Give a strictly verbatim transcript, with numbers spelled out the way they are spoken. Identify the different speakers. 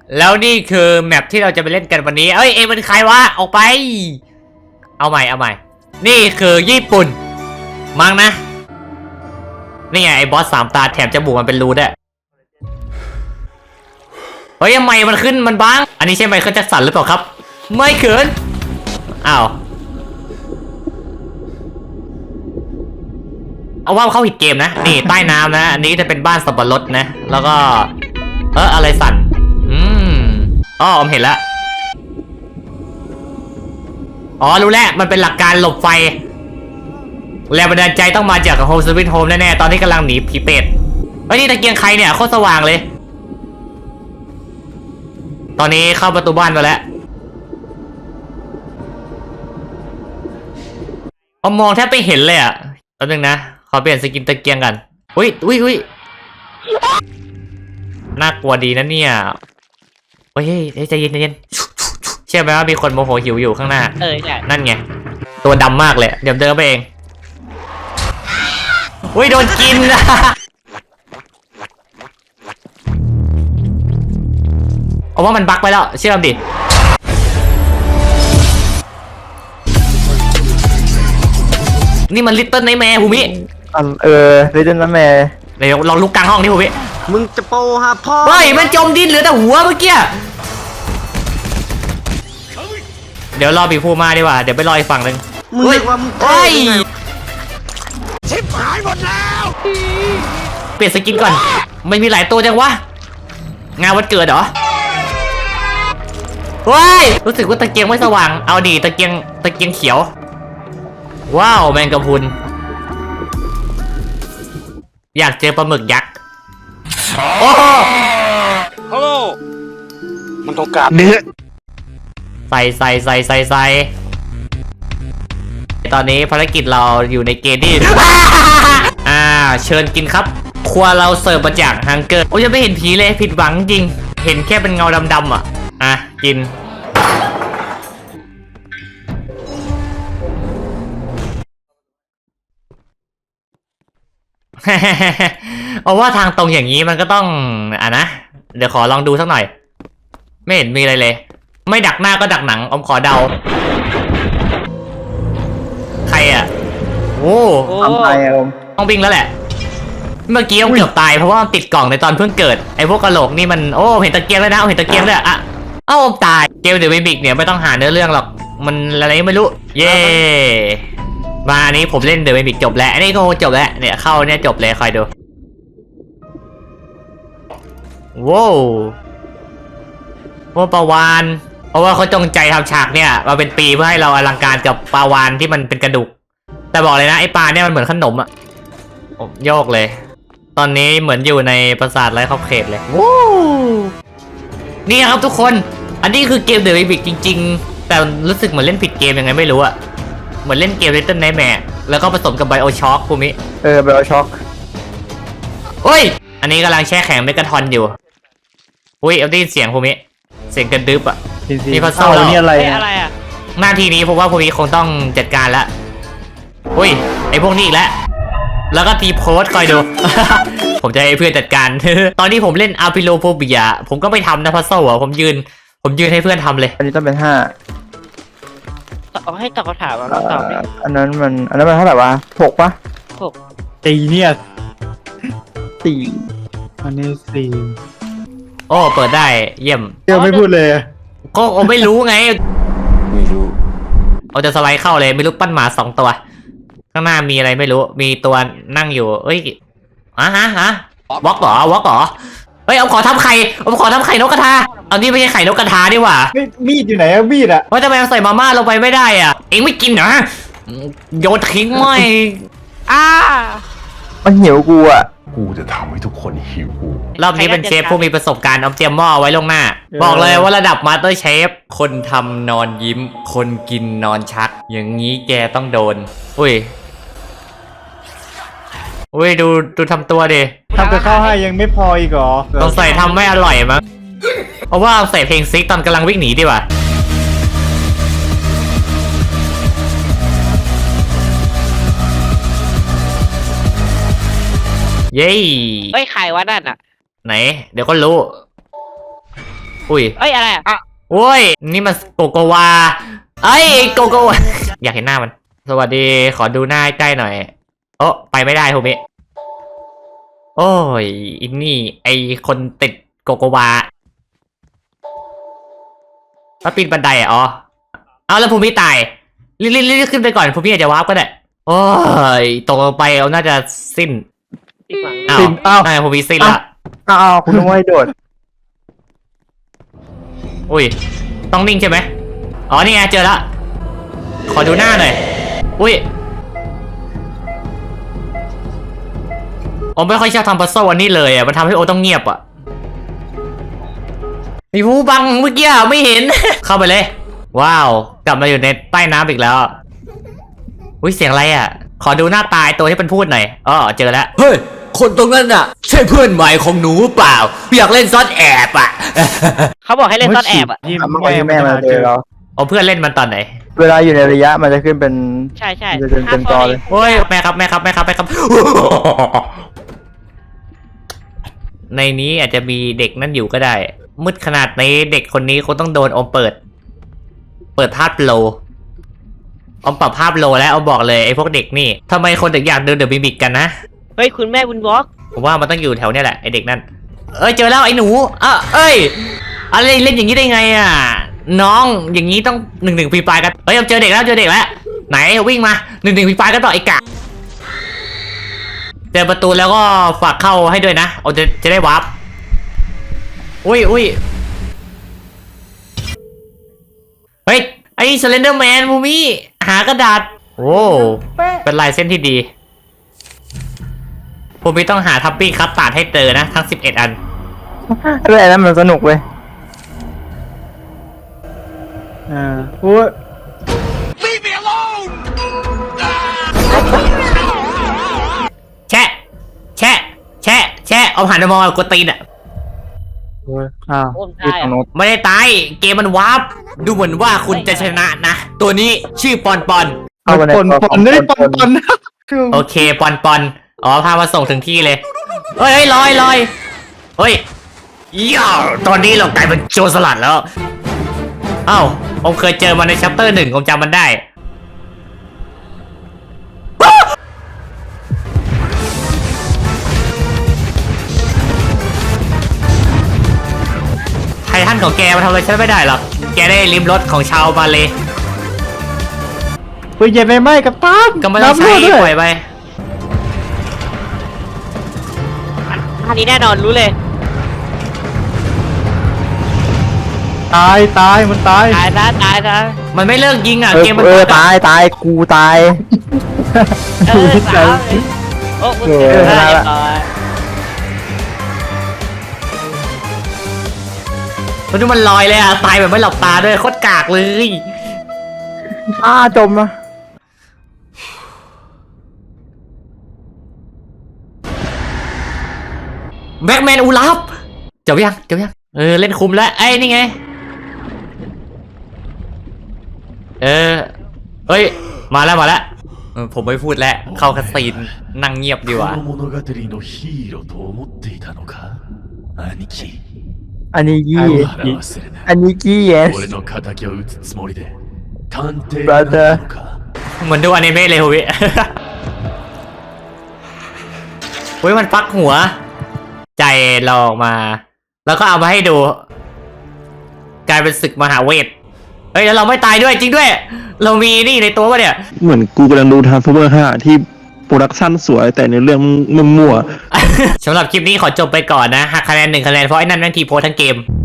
Speaker 1: แล้วนี่คือแมปที่เราจะไปเล่นกันวันนี้เอ้ยเอ็มเป็นใครวะออกไปเอาใหม่เอาใหม่นี่คือญี่ปุ่นมั้งนะนี่ไงไอ้บอสสามตาแถมจมูกมันเป็นรูด้วยเฮ้ยทำไมมันขึ้นมันบ้างอันนี้ใช่ไหมเขาจะสั่นหรือเปล่าครับไม่เขินอ้าวเอาว่าเข้าผิดเกมนะนี่ใต้น้ำนะอันนี้จะเป็นบ้านสับปะรดนะแล้วก็เอออะไรสั่นอืมอ๋อผมเห็นแล้วอ๋อรู้แล้วมันเป็นหลักการหลบไฟแรงบันดาลใจต้องมาจากโฮมสวิตโฮมแน่ๆตอนนี้กำลังหนีผีเป็ดเฮ้ยนี่ตะเกียงใครเนี่ยโคตรสว่างเลยตอนนี้เข้าประตูบ้านมาแล้วเอามองแทบไม่เห็นเลยอ่ะแป๊บนึงนะขอเปลี่ยนสกินตะเกียงกันอุ้ยอุ้ยอุ้ยน่ากลัวดีนะเนี่ยเฮ้ยเฮ้ยใจเย็นใจเย็นเชื่อไหมว่ามีคนโมโหหิวอยู่ข้างหน้า
Speaker 2: เออใช่
Speaker 1: นั่นไงตัวดำมากเลยเดี๋ยวเดินไปเองอุ้ยโดนกินนะเอาว่ามันบั๊กไปแล้วเชื่อมดินี่มันลิตเติ้ลไนท์แมร์ภูมิ
Speaker 3: เออลิตเติ้ลไนท์แมร์
Speaker 1: เดี๋ยวลองลุกกลางห้องนี่ภูมิ
Speaker 2: มึงจะโปฮะพ่อ
Speaker 1: เฮ้ยมันจมดินเหลือแต่หัวเมื่อกี้เดี๋ยวรอบีพูมาดีกว่าเดี๋ยวไปรออีกฝั่งหนึ่ง
Speaker 2: มึงเรียกว่ามึง
Speaker 1: เฮ้ย
Speaker 2: ชิบหายหมดแล้ว
Speaker 1: เปลี่ยนสกินก่อนไม่มีหลายตัวจังวะงานวันเกิดเหรอเฮ้ยรู้สึกว่าตะเกียงไม่สว่างเอาดีตะเกียงตะเกียงเขียวว้าวแมงกะพรุนอยากเจอปลาหมึกยักษ์โอ้
Speaker 2: ฮัลโหลมันต้องการ
Speaker 1: เนื้อใส่ใส่ใส่ใส่ใส่ตอนนี้ภารกิจเราอยู่ในเกมที่อ่าเชิญกินครับครัวเราเสิร์ฟมาจากฮังเกอร์โอ้ยยังไม่เห็นผีเลยผิดหวังจริงเห็นแค่เป็นเงาดำๆอ่ะอ่ะกินเอาว่าทางตรงอย่างนี้มันก็ต้องอ่ะนะเดี๋ยวขอลองดูสักหน่อยไม่เห็นมีอะไรเลยไม่ดักหน้าก็ดักหนังอมขอเดาใครอ่ะโอ้
Speaker 3: ทำไปอม
Speaker 1: ต้องบิงแล้วแหละเมื่อกี้อมเกือบตายเพราะว่าติดกล่องในตอนเพิ่งเกิดไอ้พวกกระโหลกนี่มันโอ้เห็นตะเกียงแล้วนะเห็นตะเกียงเลยอ่ะเอ้าอมตายเกมเดอะมิมิกเนี่ยไม่ต้องหาเนื้อเรื่องหรอกมันอะไรไม่รู้เย่มาอันนี้ผมเล่นเดอะมิมิกจบแล้วอันนี้ก็จบแล้วเนี่ยเข้าเนี่ยจบเลยคอยดูว้าวว่าปลาวานเพราะว่าเขาจงใจทำฉากเนี่ยมาเป็นปีเพื่อให้เราอลังการกับปลาวานที่มันเป็นกระดูกแต่บอกเลยนะไอ้ปลาเนี่ยมันเหมือนขนมอะโยกเลยตอนนี้เหมือนอยู่ในปราสาทไร้ขอบเขตเลยว้าวนี่ครับทุกคนอันนี้คือเกมเดอะมิมิกจริงๆแต่รู้สึกเหมือนเล่นผิดเกมยังไงไม่รู้อะเหมือนเล่นเกม Little Nightmare แล้วก็ผสมกับ BioShock ภูมิ
Speaker 3: เออ BioShock
Speaker 1: เฮ้ยอันนี้กำลังแช่แข็งเมกาทอนอยู่อุ้ยเอาได้ยินเสียงภูมิเสียงกระดึบอ่ะ
Speaker 3: มีพัซเซิลนี่อะไร
Speaker 2: อะไรอ่ะ
Speaker 1: หน้าทีนี้ผมว่าภูมิคงต้องจัดการละอุ้ยไอพวกนี้อีกแล้วแล้วก็ทีโพสคอยดู ผมจะให้เพื่อนจัดการ ตอนนี้ผมเล่นอาร์พิโลโฟเบียผมก็ไม่ทำนะพัซเซิลอ่ะผมยืนผมยืนให้เพื่อนทำเลย
Speaker 3: อันนี้ต้องเป็นห้า
Speaker 2: เอาให้ตอบคำถามมาตอบ
Speaker 3: อันนั้นมันอันนั้นมันเท่าไหร่วะหกปะ
Speaker 2: หก
Speaker 4: ตีเนี่ย
Speaker 3: สี่
Speaker 4: อันนี้สี่
Speaker 1: โอ้เปิดได้เยี่ยม
Speaker 4: เดี๋ยวไม่พูดเลย
Speaker 1: ก็ไม่รู้ไงไม่รู้เอาจะสไลด์เข้าเลยไม่รู้ปั้นหมาสองตัวข้างหน้ามีอะไรไม่รู้มีตัวนั่งอยู่เอ้ยอ่ะฮะฮะวอกเหรอวอกเหรอเฮ้ยเอาขอทำไข่เอาขอทำไข่นกกระทาเอานี่ไม่ใช่ไข่นกกระทาดิว่ะ
Speaker 4: มีดอยู่ไหนอะมีดอะ
Speaker 1: ว่าทำไมใส่มาม่าลงไปไม่ได้อ่ะเอ็งไม่กินเหรอโยนทิ้งไม่
Speaker 2: อ้า
Speaker 3: มันหิวกูอ่ะ
Speaker 5: กูจะทำให้ทุกคนหิว
Speaker 1: รอบนี้เป็นเชฟผู้มีประสบการณ์เอาเตรียมหม้อไว้ลงหน้าบอกเลยว่าระดับมาสเตอร์เชฟคนทำนอนยิ้มคนกินนอนชักอย่างนี้แกต้องโดนอุ้ยอุ้ยดูดูทำตัวดิ
Speaker 4: ทำกับข้าวให้ยังไม่พออีกเหรอ
Speaker 1: ต้องใส่ทำไม่อร่อยมั้งเพราะว่าใส่เพลงซิกตอนกำลังวิ่งหนีดีกว่าเย้
Speaker 2: เฮ้ยใครวะนั่นอ่ะ
Speaker 1: ไหนเดี๋ยวก็รู้อุ้ย
Speaker 6: เอ้ยอะไรอ่ะ
Speaker 1: โอ้ยนี่มันโกโกวาเอ้ยโกโกวา อยากเห็นหน้ามัน สวัสดีขอดูหน้าใกล้หน่อยโอ้ไปไม่ได้โฮมิโอ้ยอินนี่ไอคนติดโกโกวาแล้วปีนบันไดอ่ะอ๋อเอาแล้วภูมิตายรีบรีบรีบขึ้นไปก่อนภูมิอาจจะวาร์ปก็ได้โอ้ยตกลงไปเอาน่าจะสิ้น
Speaker 6: อีกฝั่ง
Speaker 1: อ้าว
Speaker 3: สิ้นอ้าว
Speaker 1: น่าจะภูมิสิ้นละ
Speaker 3: อ้าวคุณต้องให้โดด
Speaker 1: อุ้ยต้องนิ่งใช่ไหมอ๋อนี่ไงเจอละขอดูหน้าหน่อยอุ้ยผมไม่ค่อยชอบทำพัซเซิลอันนี้เลยอ่ะมันทำให้โอต้องเงียบอ่ะมีผู้บังเมื่อกี้ไม่เห็น เข้าไปเลย ว้าวกลับมาอยู่ในใต้น้ำอีกแล้วอุ้ยเสียงอะไรอ่ะขอดูหน้าตายตัวที่มันพูดหน่อยอ๋อเจอแล้วเฮ้ยคนตรงนั้นอ่ะใช่เพื่อนใหม่ของหนูเปล่าอยากเล่นซ่อนแอบอ่ะ
Speaker 6: เขาบอกให้เล่นซ่อนแอบอ่ะ
Speaker 4: ที่
Speaker 3: ทำไมแม่มาเจอเรา
Speaker 1: เอาเพื่อนเล่นมันตอนไหน
Speaker 3: เวลาอยู่ในระยะมันจะขึ้นเป็น
Speaker 6: ใช่ใช่
Speaker 3: จะเป็นเป็นจอเลย
Speaker 1: โอ้ยแม่ครับแม่ครับแม่ครับแม่ครับ ในนี้อาจจะมีเด็กนั่นอยู่ก็ได้ มืดขนาดนี้เด็กคนนี้คงต้องโดนอมเปิด เปิดภาพโลอมปรับภาพโลแล้วเอาบอกเลยไอ้พวกเด็กนี่ทำไมคนถึงอยากเดินเดอะบิบิกกันนะ
Speaker 6: เฮ้ยคุณแม่บุญวอล์ก
Speaker 1: ผมว่ามันต้องอยู่แถวเนี้ยแหละไอ้เด็กนั่นเอ้ยเจอแล้วไอ้หนูอ่ะเอ้ยอะไรเล่นอย่างนี้ได้ไงอ่ะน้องอย่างนี้ต้องหนึ่งหนึ่งปีปลายกันเฮ้ยเจอเด็กแล้วเจอเด็กแล้วไหนวิ่งมาหนึ่งหนึ่งปีปลายกันต่อไอ้กะเจอประตูแล้วก็ฝากเข้าให้ด้วยนะเอาจะจะได้วาร์ปอุ้ยอุ้ยเฮ้ยไอ้สเลนเดอร์แมนมูมี่หากระดาษโอ้เป็นลายเส้นที่ดีผมไม่ต้องหาทับปี้คัตตาร์ดให้เจอนะทั้งสิบเอ็ดอัน
Speaker 3: เรื่องนั้นมันสนุกเว้ย
Speaker 4: อ่าโอ้ย
Speaker 1: แชะแชะแชะแชะเอาหันมามองกดตีนอ่ะ
Speaker 4: โอ้ยอ้าว
Speaker 6: โอ้ม
Speaker 3: ที่
Speaker 6: ได้
Speaker 3: ทางโน้น
Speaker 1: ไม่ได้ตายเกมมันวาร์ปดูเหมือนว่าคุณจะชนะนะ ตัวนี้ชื่อปอนปอน
Speaker 3: เข้าไปใน
Speaker 4: ปน
Speaker 3: ตัว
Speaker 4: ป
Speaker 3: ขอน ง
Speaker 4: นี่
Speaker 3: ค
Speaker 4: ป
Speaker 3: น
Speaker 4: นปน
Speaker 1: โอเคปอนปอนอ๋อพามาส่งถึงที่เลยเฮ้ยเฮ้ยลอยลอยเฮ้ยย่าตอนนี้เรากลายเป็นโจรสลัดแล้วเอ้าผมเคยเจอมันในชัปเตอร์หนึ่งผมจำมันได้ไททันของแกมาทำอะไรฉันไม่ได้หรอกแกได้ลิ้มรสของชาวมาเลย
Speaker 4: ปืนใหญ่ไม่ไหม้กับตัน
Speaker 1: ก็ไม่ต้องใช้
Speaker 4: น้ำรั่ว
Speaker 1: ป
Speaker 4: ด้
Speaker 1: ล่
Speaker 4: ว
Speaker 1: อย ยไป
Speaker 6: อันนี้แน่นอนรู้เลย
Speaker 4: ตายตายมันตาย
Speaker 6: ตายซะตายซะ
Speaker 1: มันไม่เลิกยิงอ่ะ
Speaker 3: เออ
Speaker 1: เกมมัน
Speaker 3: เออ
Speaker 1: บั๊กอะ
Speaker 3: ตายตายกูตาย
Speaker 6: เออสาวโอ้โห
Speaker 3: เออ
Speaker 6: เรียบ
Speaker 3: ได้ละ
Speaker 6: ร้อย
Speaker 1: มันดูมันลอยเลยอ่ะ ตายแบบไม่หลับตาด้วยโคตรกากเลย
Speaker 3: อ้าจมนะ
Speaker 1: แบ็กแมนอูลับจบยังจบยังเออ เล่นคุมแล้วไอ้นี่ไง เออเฮ้ย มาแล้วมาแล้วเออผมไม่พูดแล้ว เข้าคาซีนนั่งเงียบดีกว่า
Speaker 5: この物語のヒーローと思っていたのか兄貴
Speaker 3: อันนี้ยี่
Speaker 5: 腹忘れな
Speaker 3: อันนี้กี้เยส
Speaker 5: 俺の仇を討つつもりで探偵にな
Speaker 3: Brother
Speaker 5: ったのか
Speaker 1: เหมือนดูอนิเมะเลยโฮวิ เฮ้ยมันฟักหัว ใจเราออกมา แล้วก็เอามาให้ดู กลายเป็นศึกมหาเวท เฮ้ยแล้วเราไม่ตายด้วยจริงด้วย เรามีนี่ในตัวปะเนี่ย
Speaker 7: เหมือนกูกำลังดูทางซูเปอร์ห้าที่โปรดักชั่นสวยแต่ในเรื่องมันมั่ว
Speaker 1: สำหรับคลิปนี้ขอจบไปก่อนนะหักคะแนนหนึ่งคะแนนเพราะไอ้นั่นแม่งทีโพสทั้งเกม